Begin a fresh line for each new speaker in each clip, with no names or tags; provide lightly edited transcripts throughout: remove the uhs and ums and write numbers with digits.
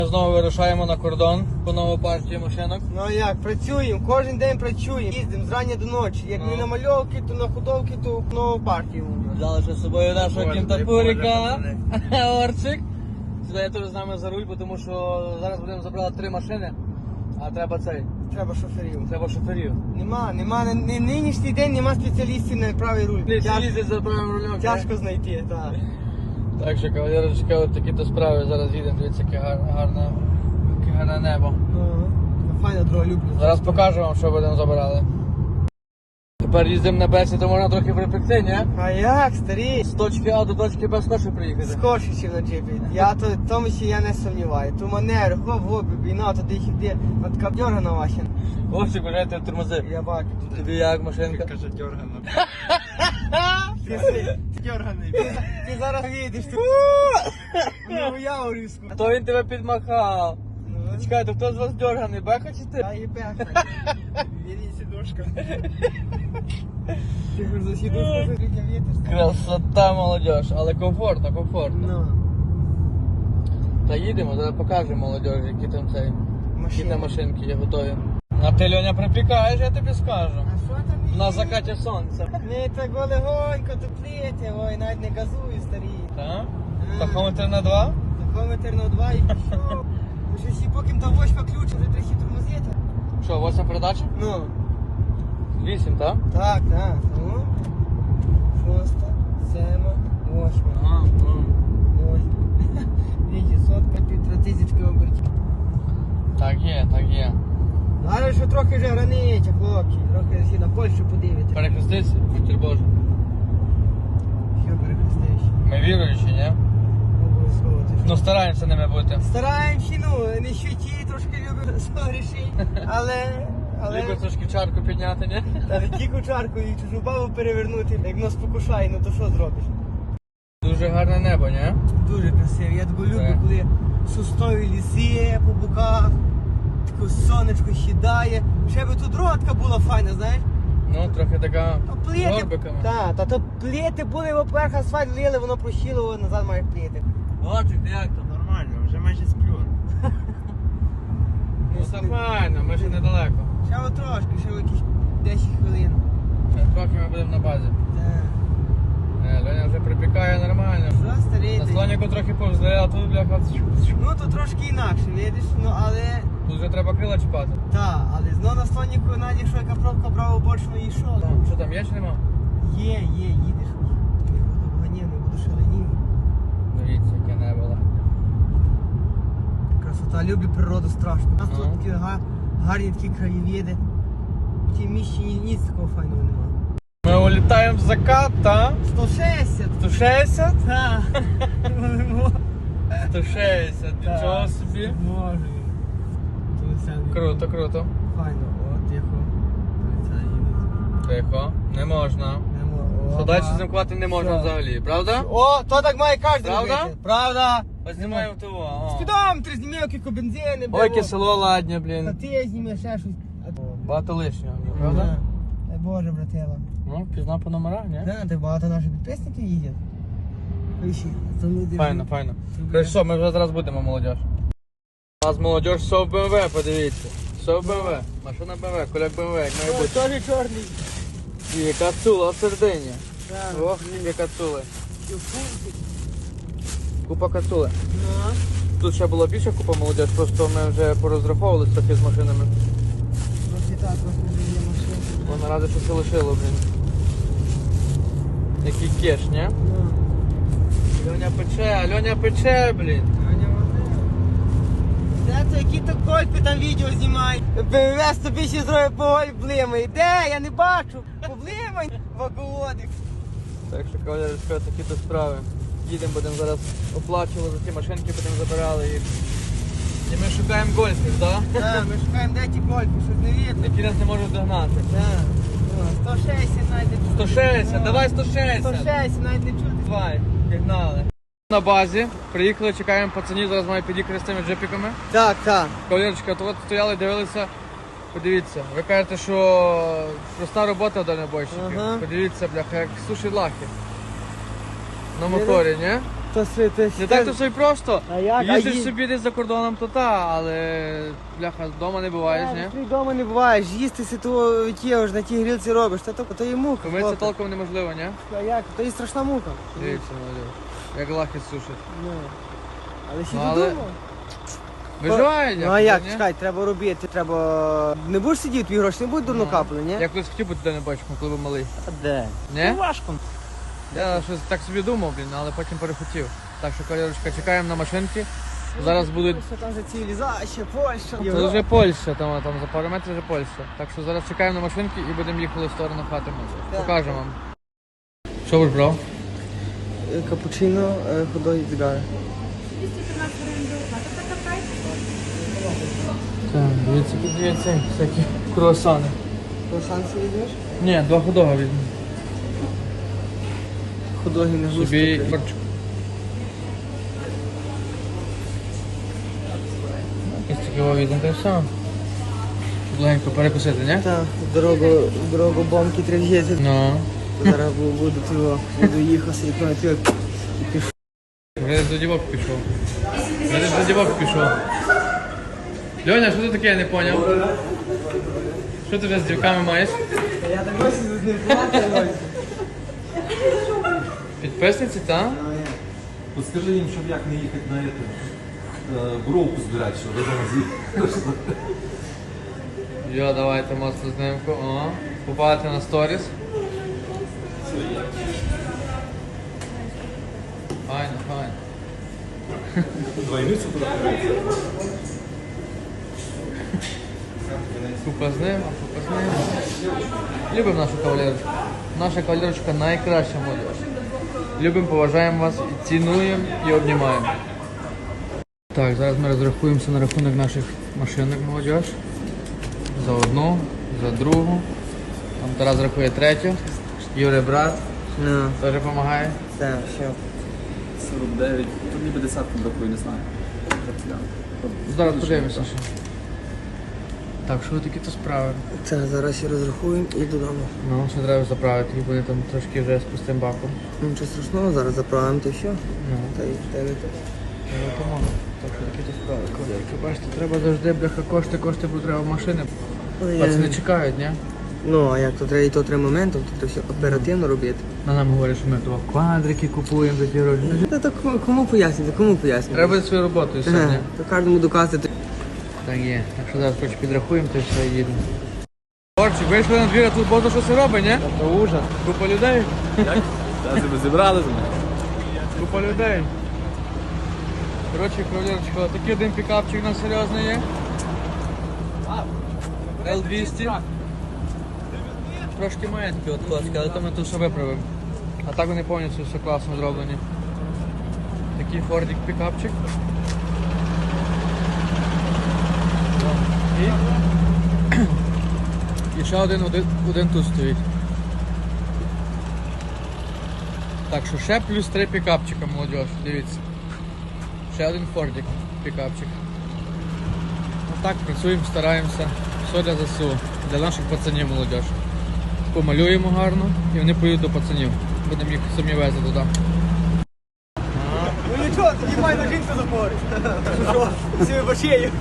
Знову вирушаємо на кордон по нову партію машинок.
Ну а як, працюємо, кожен день працюємо, їздимо зрання до ночі. Як не на мальовки, то на худовки, то в нову партію.
Взяли ще з собою нашого кінтапурика. Орчик. Сідає теж з нами за руль, тому що зараз будемо забрати 3 машини, а треба цей.
Треба шоферів.
Треба шоферів.
Нема, нинішній день нема спеціалістів на правий руль.
Не всі їздять за правим рулем.
Тяжко знайти, так.
Так що, кавалерочка, от такі-то справи. Зараз їдемо, дивіться, яке гарне небо.
Файна дорога, люблю.
Зараз покажу вам, що будемо забирали. Тепер їздимо на Бесі, то можна трохи припекти, ні?
А як, старі?
З точки А до точки Б скорше приїхати.
Скорше, ніж на джипі. Я тому ще я не сумніваю. Ту манеру, хоп, бійна, туди їхати. От така дьоргана ваша.
Ось, бажайте тормози.
Я бачу.
Тобі як машинка?
Каже, дьоргано.
Ти дьорганий. Ти зараз їдеш. Ну, я урізку.
То він тебе підмахав. Чекайте, хто з вас дьорганий, Беха чи ти?
Та і пехай.
Бери сидушка.
Ти хоч за сідушку закритя вітер.
Красота, молодіж, але комфортно.
Ну.
Та їдемо, зараз покажемо молодіж, які там цей. Які там машинки є готові. А ти, Льоня, припікаєш, я тобі скажу.
А що там?
На закаті сонця.
Не так легонько тупліте, ой, навіть не газую, старі.
Так? Тахометр на 2?
Тахометр на 2 і пішов. Вже всі поки та восьма ключ, вже трохи тормозити.
Що, 8 передача?
Ну.
8, так?
Так. Ну. 6, 7, 8.
Ага.
Ой. Видите, сотка, 1500 обертів.
Так є.
Але що трохи вже границя, хлопці. Трохи всі на Польщу подивити.
Перехрестися, матір Боже.
Що перехрестиш?
Ми віруючі, ні?
Обов'язково ти що?
Ну стараємося ними бути.
Стараємося, ну, не щиті, трошки любимо согрішити. Але...
Ліко трошки чарку підняти, ні?
Та не тільки чарку і чужу бабу перевернути, як нас покушає, ну то що зробиш?
Дуже гарне небо, ні?
Дуже красиво. Я таку люблю,
Так.
коли соснові ліси по боках, таке сонечко сідає. Ще би тут дорога була файна, знаєш?
Ну, трохи така
То плити,
горбиками.
та то плити були, поверх асфальт лили, воно прощило, назад маєш плити.
Орчик, ти як там?
Нормально, вже майже сплю.
Ну все файно, ми ще недалеко.
Ще от трошки, ще якісь 10 хвилин.
Трохи ми будемо на базі.
Так.
Леня вже припікає нормально.
Що, старий?
На
ти?
слоніку трохи повзли, а тут бляха.
Ну то трошки інакше, видиш, ну але...
Тут вже треба крила чіпати.
Так, але знову на слоніку, Наді, що яка пробка брала бочно і йшов.
Що там є чи нема?
Є, їдеш. Не буду ганів, не буду шаленів.
Дивіться, яке небо.
Красота, люблю природу страшно. У нас
Ага.
тут такі гарні такі краєвіди. В тій місці ніц такого файного немає.
Ми улітаємо в закат, та?
160.
160?
Так.
160, нічого собі.
Може.
Круто.
Файно, от тихо.
Тихо, не можна. Що далі замкувати не можна
Що?
взагалі, правда?
О, то так має кожен
Правда?
робити. Правда.
Ось знімаємо того.
Спідометр знімав, кілька бензини.
Ой, яке село ладнє,
Та
блін.
ти знімеш ще щось.
Багато лишнього, правда?
Дай Боже, братела.
Ну, пізна по номерах, ні?
Да, так багато наших підписників їздять.
Файно. Короче, що, ми вже зараз будемо, молодіж. У нас молодіж все в БМВ, подивіться. Все в БМВ. Машина БМВ, коляк БМВ, як має бути.
Теж чорний.
І кацула в середині.
Так.
Ох, які кацули. Купа кацули.
Ну,
Тут ще була більша купа молодіж, просто ми вже порозраховувалися трохи з машинами.
трохи так, трохи вже є машина.
Бо наразі щось лишило, блін. Який кеш, ні?
Ну,
Льоня пече, блін.
Аня Вадим. Де то, які то кольпи там відео знімають? БМВ тобі ще зробить по блимай. Де? Я не бачу. Поблимай, ваговодик.
Так що, кавалерочка, такі то справи. Їдемо, будемо зараз оплачувати за ті машинки, будемо забирали їх. І ми шукаємо гольфів, так?
Так, ми шукаємо, де ті кольпи, щось не видно.
Які нас не можуть догнати.
Так. О, 160 навіть не чути.
160, давай 160.
160 навіть не чути.
Давай, пігнали. На базі, приїхали, чекаємо пацанів, зараз мають під'їхати з цими джипіками.
Так.
Кавалерочка, то от стояли, дивилися, подивіться. Ви кажете, що проста робота дальнобойщиків.
Ага.
Подивіться, бляха, як суші лахи. На моторі, ні? Не так то все й просто.
А як?
Їздиш собі десь за кордоном, то та, але бляха, вдома не буваєш, ні?
Ти вдома не буваєш, їсти си того ж на тій грілці робиш, то є мука.
Помитися
хлопець.
толком неможливо, ні?
А як? То є страшна мука.
Дивіться, молодь. Як лахи сушить.
Ну. Але ще
Ну, але-
додому.
Виживає,
Ну а як, чекай, треба робити, треба... Не будеш сидіти, твої гроші не будуть давно капали, ні?
Я колись хотів бути туди не бачив, коли був малий.
А де?
Ні?
Важко.
Я щось так собі думав, блін, але потім перехотів. Так що, колірочка, чекаємо на машинки. Зараз будуть...
Що там за цивілізація, Польща.
Це вже Польща, там за пару метрів вже Польща. Так що зараз чекаємо на машинки і будемо їхали в сторону хати. Покажемо вам. Що ви ж брав?
Капучино, ходой зігари.
Так, дивіться, всякі круасани.
Круасанці візьмеш?
Ні, 2 ходога візьму.
Ходоги не густо.
Собі борчик. Якось таке візьмемо, та й все. Щоб легенько перекусити, ні?
Так, дорогу бомки треба взяти.
Ну.
Зараз буду їхати, як на тюрк.
Вже десь до дівок пішов. Вже десь до дівок пішов. Льоня, що ти таке, я не поняв? Що ти вже з дівками маєш?
Я так ось з ним плакаю.
Підписниці, так?
От скажи їм, щоб як не їхати на эту, бровку збирати, щоб ви зараз їхали.
Йо, давайте моцну знимку. О, попадати на сторіс. Файно, файно.
Двойницю туди.
Купа з ним, купа з ним. Любимо нашу кавалерочку. Наша кавалерочка найкраща молодь. Любимо, поважаємо вас, і цінуємо і обнімаємо. Так, зараз ми розрахуємося на рахунок наших машинок молодь. За одну, за другу. Там Тарас рахує третю. Юрий брат
Ну,
теж допомагає.
так, все.
49, тут ніби десятку бракує, не знаю.
Зараз подивимося ще. Так, що такі то справи?
Так, зараз я розрахую і додому.
Ну, ще треба заправити, і вони там трошки вже з пустим баком.
Ну, нічого страшного, зараз заправимо, то все.
Ну,
Та й те не те.
допомога. Так що такі то справи. Колірки, бачите, треба завжди, бляха, кошти, бо треба машини. Пацани чекають, ні?
Ну, а як то треба і то три моменти, то треба все оперативно робити.
На нам говорять, що ми того квадрики купуємо за ті гроші.
Та то кому пояснити, кому пояснити?
Треба буде свою роботу і все, ні?
Ага, то кожному доказати.
Так є. Так що зараз хоч підрахуємо, то і все, і їдемо. Орчик, вийшли на двір, а тут багато що це робить, ні?
Це ужас.
Купа людей.
Зараз ви зібрали з мене.
Купа людей. Коротше, кавалерочка, такий один пікапчик у нас серйозний є. L200. Трошки має такі от класки, але то ми тут все виправимо. А так вони повністю все класно зроблені. Такий фордик пікапчик. І ще один тут стоїть. Так що ще плюс 3 пікапчика, молодь, дивіться. Ще один фордик пікапчик. Так, працюємо, стараємося. Все для ЗСУ, для наших пацанів, молодь. Помалюємо гарно і вони поїдуть до пацанів. Будемо їх самі везти туди.
Ну нічого, тоді файна жінка запорить. Що, всі башею.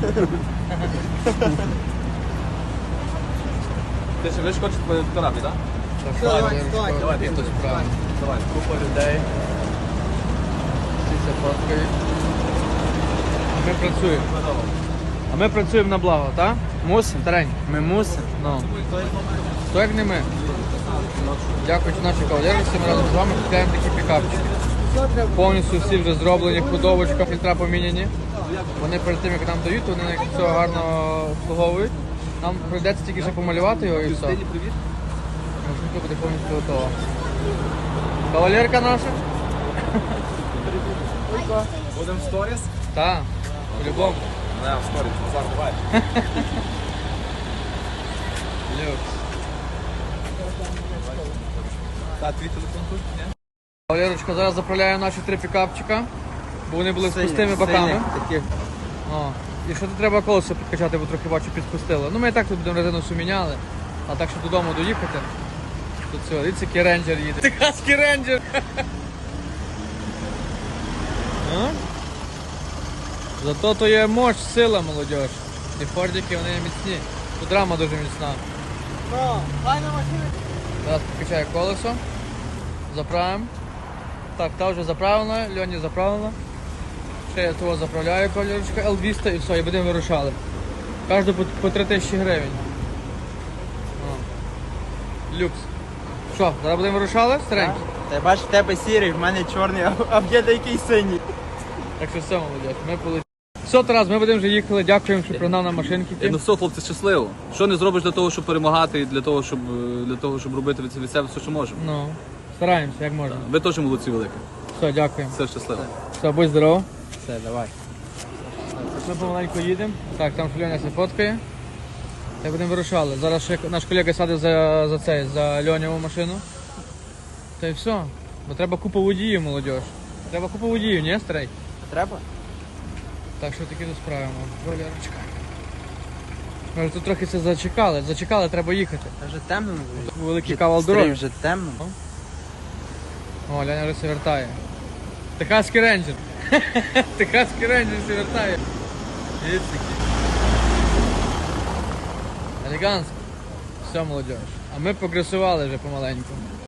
Ти ще хочеш по фотографії, так?
Так,
Давай,
файно,
давай,
Ярошко,
давай,
і хтось
давай.
правильно.
Давай.
Купа людей. Всі це фоткають. А ми працюємо. А ми працюємо на благо, так? Мусимо, Тарень? Ми мусимо. Ну. Хто як не ми? Дякуючи нашій кавалерці, ми разом з вами купляємо такі пікапчики. Повністю всі вже зроблені, ходовочка, фільтра поміняні. Вони перед тим, як нам дають, вони все гарно обслуговують. Нам прийдеться тільки ще помалювати його і все.
Привіт.
Машинка буде повністю готова. Кавалерка наша?
Будемо в сторіс?
Так, по-любому.
Не, в сторіс, Назар, давай.
Люкс.
Та, твій телефон тут, ні?
Кавалерочка зараз заправляє наші 3 пікапчика, бо вони були з пустими боками. О, і що тут треба колесо підкачати, бо трохи бачу підпустило. Ну ми і так тут будемо резину всю міняли, а так, щоб додому доїхати. Тут все, дивіться, який рейнджер їде. Техаський рейнджер! А? Зато то є мощ, сила, молодь. Ті фордики, вони міцні. Тут рама дуже міцна.
Ну, файна машина.
Зараз покачаю колесо. Заправимо. Так, та вже заправлена, Льоні заправлена. Ще я того заправляю колірочка L200 і все, і будемо вирушали. Кожну по 3000 гривень. О. Люкс. Що, зараз будемо вирушали? Старенький?
Та бачиш, в тебе сірий, в мене чорний, а в діда який синій.
Так що все, молодь, ми полетіли. Все, Тарас, ми будемо вже їхали. Дякуємо, що пригнав на машинки.
Ну все, хлопці, щасливо. Що не зробиш для того, щоб перемагати, і для того, щоб робити від себе все, що можемо.
Ну, стараємося, як можна.
Ви теж молодці великі.
Все, дякуємо.
Все щасливо.
Все, будь здоров.
Все, давай.
Ми помаленьку їдемо. Так, там Льоня все фоткає. Та будемо вирушали. Зараз ще наш колега садить за Льонєву машину. Та й все. Бо треба купа водіїв, молодь. Треба купа водіїв, ні, старий?
Треба?
Так що таки справимо. Валерочка. Ми вже тут трохи це зачекали, треба їхати.
Та вже темно.
Великий кавал дороги.
вже темно.
О, Ляня вже все вертає. Техаський рейнджер. Техаський рейнджер все вертає. Дивіться який. Елегантсько. Все, молодь. А ми прогресували вже помаленьку.